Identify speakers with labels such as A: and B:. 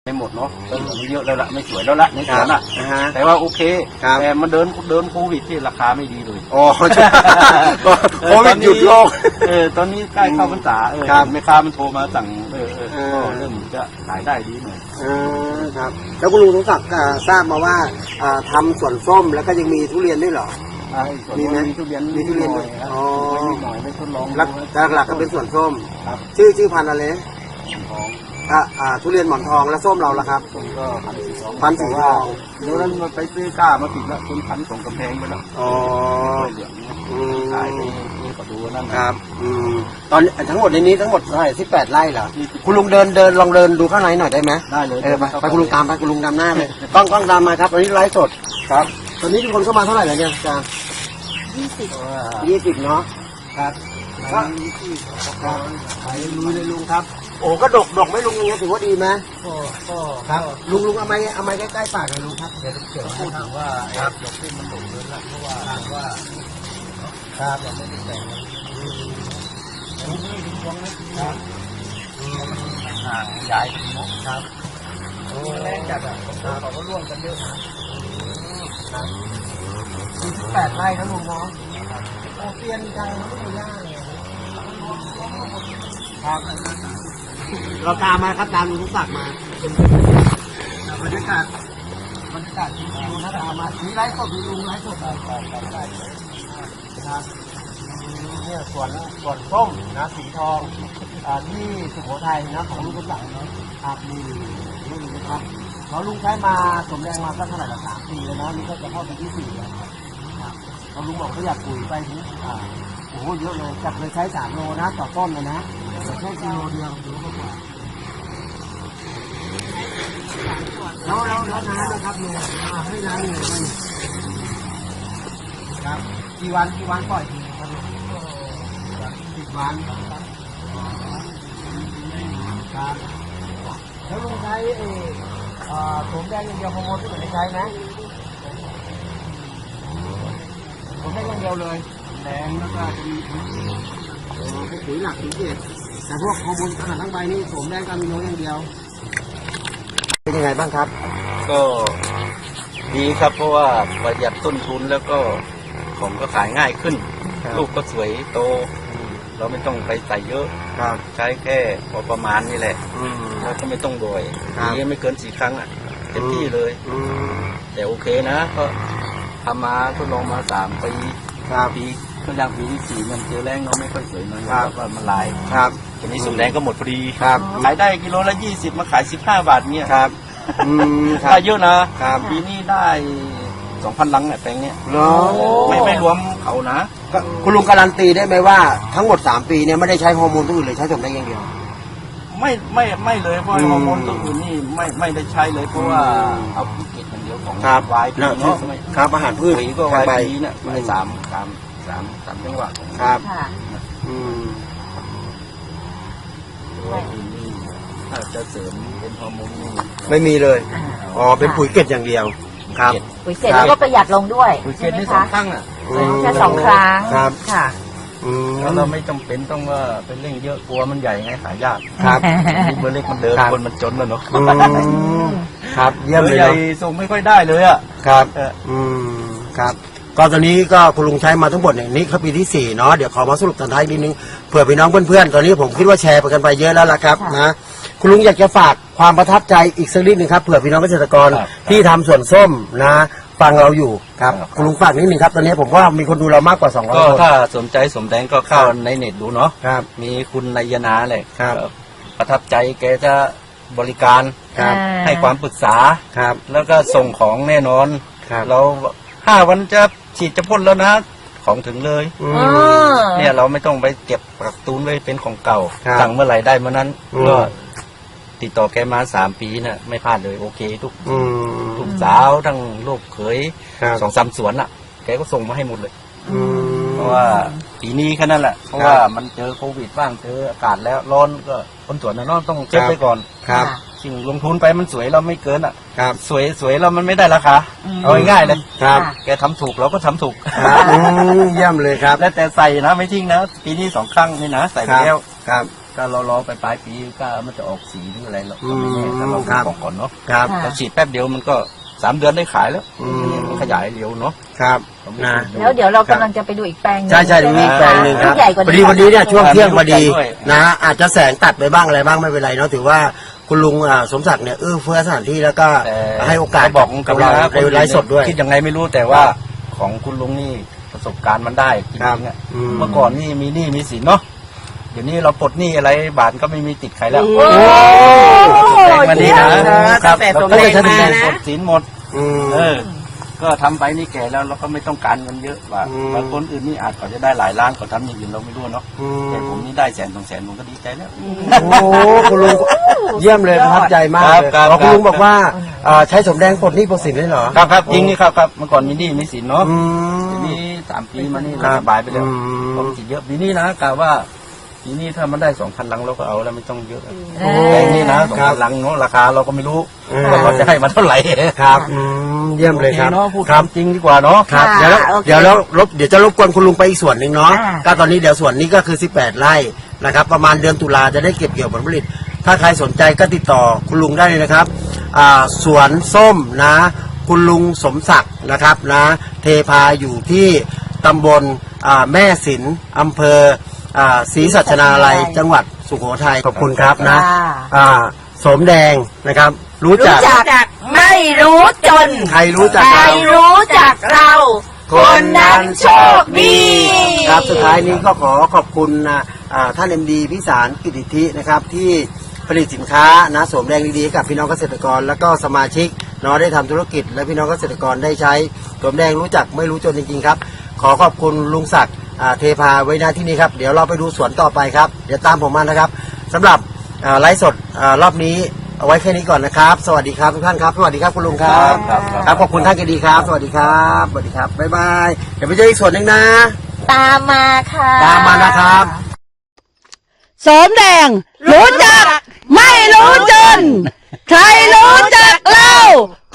A: ไม่หมดเนาะต้นเหลืองเยอะแล้วละไม่สวยแล้วละในสวนอ่ะแต่ว่าโอเคแต่มันเดินโควิดที่ราคาไม่ดีเลย
B: อ๋อโควิดหยุดโลก
A: ตอนนี้ใกล้เข้าพรรษาแม่ค้ามันโทรมาสั่งก็เริ่มจะขายได้ดีหน่อย
B: ครับแล้วคุณลุงสมศักดิ์ทราบมาว่าทำสวนส้มแล้วก็ยังมีทุเรียนด้วยเหรอ
A: มีไหมมีทุเรียนด้วย
B: อ๋อ
A: หน่อยไม่ทดลอง
B: หลักก็เป็นสวนส้มชื่อพันธุ์อะไรทุเรียนหมอนทองและส้มเราละครับ
A: ส้มก็
B: พันธุ์สีทอง
A: เดี๋ยวนั้นมันไปซื้อก้ามาติดแล้วเป็นพันธุ์ส่งกำแพงไปแล้ว
B: อ๋อ
A: เหลืองขายไปก็ดูนั่น
B: ครับตอนทั้งหมดในนี้ทั้งหมดเท่าไหร่18 ไร่เหรอคุณลุงลองเดินดูข้างในหน่อยได้ไหม
A: ได้เลย
B: ไปคุณลุงตามไปคุณลุงนำหน้าเลยกล้องตามมาครับตอนนี้ไลฟ์สดครับตอนนี้ทุกคนเข้ามาเท่าไหร่แล้วเนี่ยอาจารย์20เนาะครับขายลุยเลยลุงครับโอ้ก็ดกไม่ลุงอย่างเงี้ยถือว่าดีไหมก็ครับลุงเอาไม้ใกล้ๆปากเลยลุงครับเดี๋ยว
A: พูดถึงว่าดอกที่มันดกเลยละเพราะว่า
B: ครับ
A: ยังไม่ได้แต่งลุงนี่ถึงวงนะครับห่างใหญ่
B: ครับ
A: แรงจัดอ่ะเขาก็ร่วมกันเยอะ
B: ครับ18 ไร่นะลุงเนาะโอเตียนจังไม่มีหน้าเลยครับเราตามมาครับตามลุงทุกศักดิ์มาบรรยากาศที่ดูนะตามมามีไลฟ์สดมีลุงไลฟ์สดครับเนี่ยสวนส้มนะสีทองที่สุโขทัยนะของลุงทุกศักดิ์นะครับนี่นะครับเขาลุงใช้มาสมแรงมาสักเท่าไหร่ละ3 ปีแล้วนะนี่ก็จะเข้าปีที่4แล้วครับเขาลุงบอกเขาอยากปุ๋ยไปถึงโอ้โหเยอะเลยจากเลยใช้3 โลนะต่อต้นเลยนะแต่แค่กิโลเดียวดูก็กว่าแล้วน้ำนะครับเนี่ยให้น้ำเนี่ยครับกี่วันปล่อยทีครับ10 วันครับแล้วลุงใช้โสมแดงอย่างเดียวฮอร์โมนที่ไม่ได้ใช้ไหมผมได้อย่างเดียวเลย
A: แดงแล้วก็จะมี
B: ปุ๋ยหลักปุ๋ยเกศแต่พวกฮอร์โมนขนาดทั้งใบนี่โสมแดงกับมีโนอย่างเดียวเป็นยังไงบ้างครับ
A: ก็ดีครับเพราะว่าประหยัดต้นทุนแล้วก็ของก็ขายง่ายขึ้นลูกก็สวยโตเราไม่ต้องไปใส่เยอะใช้แค่พอประมาณนี่แหละแล้วก็ไม่ต้องโดยนี้ไม่เกิน4 ครั้งเต็มที่เลยแต่โอเคนะก็ทำมาทดลองมา3 ปีก็ยังปีที่4มันเจอแรงเนาะไม่ค่อยสวยนะว่ามันลายทีนี้สุดแรงก็หมดพอดีขายได้กิโลละ20มาขาย15 บาทเนี่ยได้เยอะนะปีนี้ได้ 2,000 ลังเนี่ยแปลงเนี้ยไม่รวมเขานะ
B: คุณลุงการันตีได้ไหมว่าทั้งหมด3 ปีเนี่ยไม่ได้ใช้ฮอร์โมนตัวอื่นเลยใช้โสมแดงอย่างเดียว
A: ไม่เลยเพราะฮอร์โมนตัวอื่นนี่ไม่ได้ใช้เลยเพราะว่าเอาพืชอย่างเดียวของวายเนาะ
B: ครับอาหารพืช
A: ก็วายปีเนี่ยไม่3 จังหวะ
B: ครับ
A: ถ้าจะเสริมเป็นฮอร์โมน
B: ไม่มีเลยอ๋อเป็นปุ๋ยเกล็ดอย่างเดียวครับ
C: ปุ๋ยเกล็ดแล้วก็ประหยัดลงด้วย
A: ปุ๋ยเกล็ดนี่2 ครั้ง
C: แค่2 ครั้งค่ะ
A: แล้วเราไม่จำเป็นต้องว่าเป็นเร่งเยอะกลัวมันใหญ่ไงขายยาก
B: ครับ
A: เบอร์เล็กมันเดินคนมันจนแล้วเนาะ
B: ครับเยี่ยมเลย
A: ใหญ่ส่งไม่ค่อยได้เลย
B: ครับครับก็ตอนนี้ก็คุณลุงใช้มาทั้งหมดเนี่ยนี่เขาปีที่4เนาะเดี๋ยวขอมาสรุปตอนท้ายนิดนึงเผื่อพี่น้องเพื่อนๆตอนนี้ผมคิดว่าแชร์ไปกันไปเยอะแล้วล่ะครับนะคุณลุงอยากจะฝากความประทับใจอีกสักนิดนึงครับเผื่อพี่น้องเกษตรกรที่ทำสวนส้มนะฟังเราอยู่ครับคุณลุงฝากนิดนึงครับตอนนี้ผมว่ามีคนดูเรามากกว่า200
A: คนถ้าสนใจสมแดงก็เข้าในเน็ตดูเนาะมีคุณนายนาเลยประทับใจแกจะบริการให้ความปรึกษาแล้วก็ส่งของแน่นอนเรา5 วันจะฉีดจะพ่นแล้วนะของถึงเลยเนี่ยเราไม่ต้องไปเก็บกักตุนไว้เป็นของเก่าสั่งเมื่อไหร่ได้เมื่อนั้นก็ติดต่อแกมา3 ปีน่ะไม่พลาดเลยโอเคทุกสาวทั้งลูกเขย2-3 สวนแกก็ส่งมาให้หมดเลยเพราะว่าปีนี้แค่นั้นแหละเพราะว่ามันเจอโควิดบ้างเจออากาศแล้วร้อนก็คนสวนน่ะต้องเช็คไปก่อนสิ่งลงทุนไปมันสวยเราไม่เกินสวยเรามันไม่ได้ราคาเอาง่ายๆเลยแกทำถูกเราก็ทำถูก
B: เยี่ยมเลยครับ
A: แล้วแต่ใส่นะไม่ทิ้งนะปีนี้2 ครั้งนี่นะใส่ไปแล้วก็เรารอไปปลายปีก็มันจะออกสีหรืออะไรเราก็ไม่แน่ถ้าเรา
B: ครับ
A: บอกก่อนเนาะ
B: ครับ
A: เราฉีดแป๊บเดียวมันก็3 เดือนได้ขายแล้วมันขยายเร็วเนาะ
B: ครับนะ
C: แล้วเดี๋ยวเรากำลังจะไปดูอีกแปลงหนึ่ง
B: ใช่ใช่มีแปลงหนึ่งครับ
C: ใหญ่กว่า
B: พอดีวันนี้เนี่ยช่วงเที่ยงพอดี
A: ด้วย
B: นะอาจจะแสงตัดไปบ้างอะไรบ้างไม่เป็นไรเนาะถือว่าคุณลุงสมศักดิ์เนี่ยเฟื้อสถานที่แล้วก็
A: แต่
B: ให้โอกาส
A: บอก
B: กับเราในไลฟ์สดด้วย
A: คิดยังไงไม่รู้แต่ว่าของคุณลุงนี่ประสบการณ์มันได้จริงๆอะ
B: อืม
A: เมื่อก่อนนี่มีหนี้มีสินเนาะเดี๋ยวนี้เราปลดหนี้อะไรบาทก็ไม่มีติดใครแล้ว
C: โอ้
A: แรงมาดีนะ
D: ตั้งแต่สมแรงมานะ
A: ปลดสินหมด
B: อืม
A: ก็ทำไปนี่แก่แล้วเราก็ไม่ต้องการเงินเยอะว่า
B: อืม
A: บางคนอื่นนี่อาจเขาจะได้หลายล้านเขาทำอย่างอื่นเราไม่รู้เนาะ
B: อืม
A: แต่ผมนี่ได้100,000 200,000ผมก็ดีใจแล้ว
B: โอ้โหคุณลุงเยี่ยมเลยประทับใจมากเลย
A: ครับ
B: อ๋อคุณลุงบอกว่าใช้สมแดงปลดหนี้ปลดสินได้เหรอ
A: ครับจริงนี่ครับเมื่อก่อนมีหนี้มีสินเนาะ
B: อื
A: ที
B: ม
A: นี้3 ปีมานี่
B: ครั
A: เรา
B: บ
A: สบายไปแล้ว
B: อืม
A: ผมสิเยอะปีนี้นะกะว่าปีนี้ถ้ามันได้2,000 ลังเราก็เอาแล้วไม่ต้องเยอะ
C: โอ้
A: แพงนี่นะ2,000 ลังเนาะราคาเราก็ไม่รู้
B: อืม
A: ว่าเขาจะให้มาเท่าไหร่
B: ครับเยี่ยมเลยครับ
A: โอเนาะพูด
B: ครับ
A: จริงดีกว่าเนาะ
B: ครับ
C: ค่ะ
B: เดี๋ยว
C: โอเค
B: เดี๋ยวแล้วเดี๋ยวจะรบกวนคุณลุงไปอีกส่วนหนึ่งเนาะ
C: อ่า
B: ก็ตอนนี้เดี๋ยวส่วนนี้ก็คือ18 ไร่นะครับประมาณเดือนตุลาจะได้เก็บเกี่ยวผลผลิต ถ้าใครสนใจก็ติดต่อคุณลุงได้เลยนะครับสวนส้มนะคุณลุงสมศักดิ์นะครับนะเทพาอยู่ที่ตำบลแม่สินอำเภอศรีสัชนาลัยจังหวัดสุโขทัยขอบคุณครับนะ สมแดงนะครับ รู้จัก
D: ไม่รู้จน
B: ใครรู้จัก
D: ใคร
B: เรา
D: รู้จักเรา คนนั้นโชคดี
B: ครับสุดท้ายนี้ก็ขอขอบคุณท่าน MD พิสารกิติธินะครับที่ผลิตสินค้านะสวมแรงดีๆให้กับพี่น้องเกษตรกร แล้วก็สมาชิกเนาะได้ทำธุรกิจ และพี่น้องเกษตรกรได้ใช้สวมแดงรู้จักไม่รู้จนจริงๆครับขอขอบคุณลุงศักดิ์เทพาไว้หน้าที่นี้ครับเดี๋ยวเราไปดูสวนต่อไปครับเดี๋ยวตามผมมานะครับสำหรับไลฟ์สดรอบนี้เอาไว้แค่นี้ก่อนนะครับ สวัสดีครับทุกท่านครับสวัสดีครับคุณลุงครับ ครับขอบคุณท่านกันดีครับ สวัสดีครับสวัสดีครับบ๊ายบายเดี๋ยวไปเจออีกส่วนหนึ่งนะ
C: ตามมาค่ะ
B: ตามมานะครับ
E: สมแดง รู้จัก ไม่รู้จน ใครรู้จักเรา